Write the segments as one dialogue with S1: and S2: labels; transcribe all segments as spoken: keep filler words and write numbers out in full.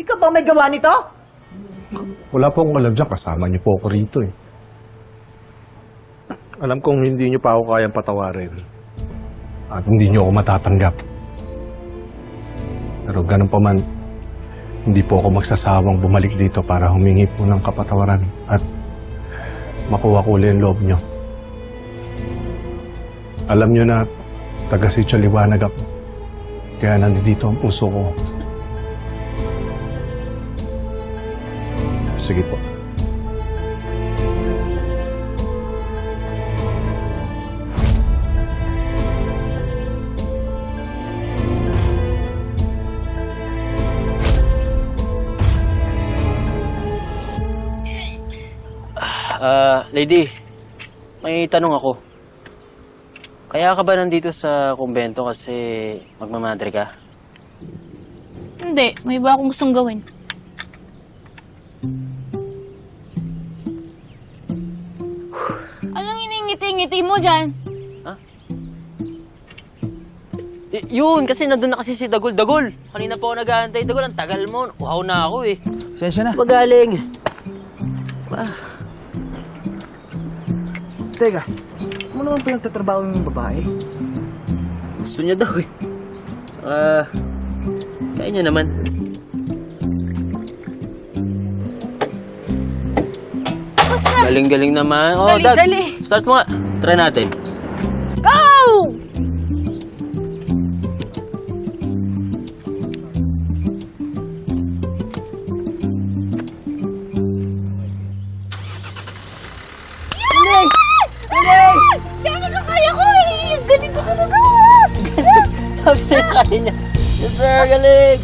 S1: Ikaw ba may gawa nito?
S2: Wala po akong alam dyan. Kasama niyo po ako rito eh. Alam kong hindi niyo pa ako kayang patawarin. At hindi niyo ako matatanggap. Pero ganun pa man, hindi po ako magsasawang bumalik dito para humingi po ng kapatawaran at makuha ko ulit ang loob niyo. Alam niyo na taga Sitio Liwanag ako. Kaya nandito ang puso ko. Sige po.
S3: Ah, lady, may tanong ako. Kaya ka ba nandito sa kumbento kasi magmamadre ka?
S4: Hindi, may iba akong gustong gawin. Anong iningiti-ngiti mo dyan?
S3: Y- yun, kasi nandun na kasi si Dagol. Dagol! Kanina pa ako nag-aantay. Dagol, ang tagal mo. Uhaw na ako eh.
S5: Sensya na.
S3: Magaling. Ah.
S1: Teka, ano naman pinagtatrabaho yung babae?
S3: Gusto niya daw eh. Ah, kaya niya naman.
S4: Tapos na!
S3: Galing-galing naman. Oh,
S4: Dali,
S3: Dags,
S4: dali.
S3: start mo nga. Try natin.
S4: Go!
S3: Galing! Galing!
S4: Sabi ko kaya ko eh! Galing ko talaga!
S3: Sabi sa'yo kaya niya. Yes, sir. Galing!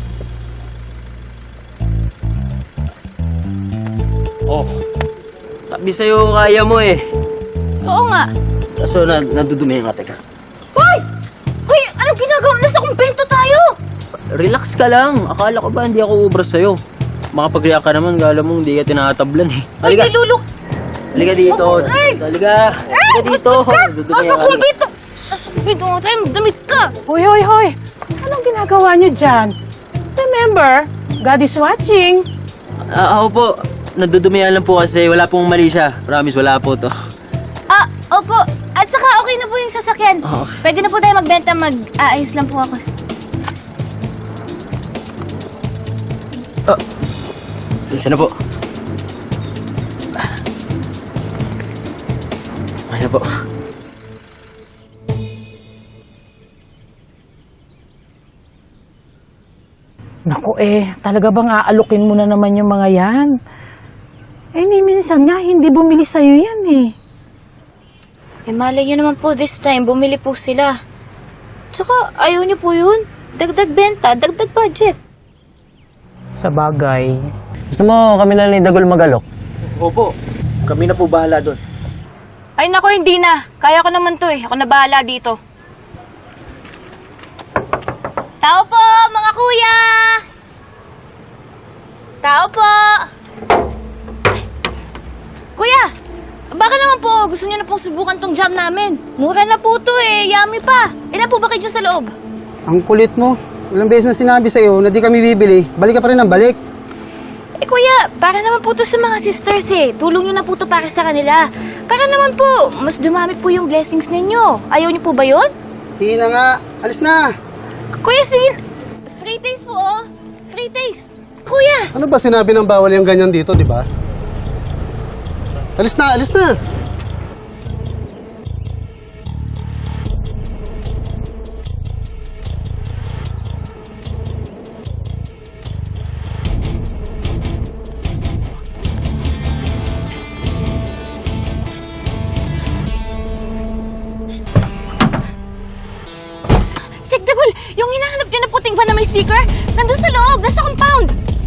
S3: Oh, sabi sa'yo kaya mo eh.
S4: Oo nga.
S3: Kaso na, nadudumihan ka, teka.
S4: Hoy! Hoy! Anong ginagawa? Nasa kumpento tayo!
S3: Relax ka lang. Akala ko ba hindi ako ubra sa'yo? Makapag-react ka naman, gala mo hindi ka tinatablan eh.
S4: Hoy,
S3: Halika,
S4: nilulok!
S3: halika dito.
S4: Ay!
S3: Halika, halika dito.
S4: Bastos ka!
S3: Nadudumihan
S4: Nasa
S3: ka.
S4: kumpento! Nasa kumpento nga tayo, damit ka!
S6: Hoy, hoy, hoy! Anong ginagawa niyo dyan? Remember, God is watching.
S3: Ah, ako po, nadudumihan lang po kasi wala pong mali siya. Promise, wala po to.
S4: Ah, opo. At saka okay na po yung sasakyan.
S3: Oo.
S4: Pwede na po tayo magbenta, mag-aayos lang po ako.
S3: Isa na po. Ay na po.
S6: Naku eh, talaga bang aalukin mo na naman yung mga yan? Eh, ni minsan nga, hindi bumili sa'yo yan eh.
S4: Eh, malay nyo naman po this time, bumili po sila. Tsaka, ayaw nyo po yun. Dagdag benta, dagdag budget.
S6: Sa bagay.
S5: Gusto mo kami na ni Dagol magalok?
S3: Opo, kami na po bahala doon.
S4: Ay nako, hindi na. Kaya ko naman to eh. Ako na bahala dito. Tao po, mga kuya! Tao po! Kuya! Baka naman po, gusto niyo na pong subukan tong jam namin. Mura na po to eh, yummy pa. Ilan po ba kayo dyan sa loob?
S7: Ang kulit mo. Ilang beses na sinabi sa'yo na di kami bibili. Balik ka pa rin ng balik.
S4: Eh kuya, para naman po to sa mga sisters eh. Tulong niyo na po to para sa kanila. Para naman po, mas dumami po yung blessings ninyo. Ayaw niyo po ba yun?
S7: Hindi na nga. Alis na.
S4: Kuya, sige. Free taste po oh. Free taste. Kuya!
S7: Ano ba sinabi ng bawal yung ganyan dito, di ba? Alis na, alis na.
S4: Sek Dagol, yung hinahanap niyo na puting van na may sticker, nandun sa loob, nasa compound.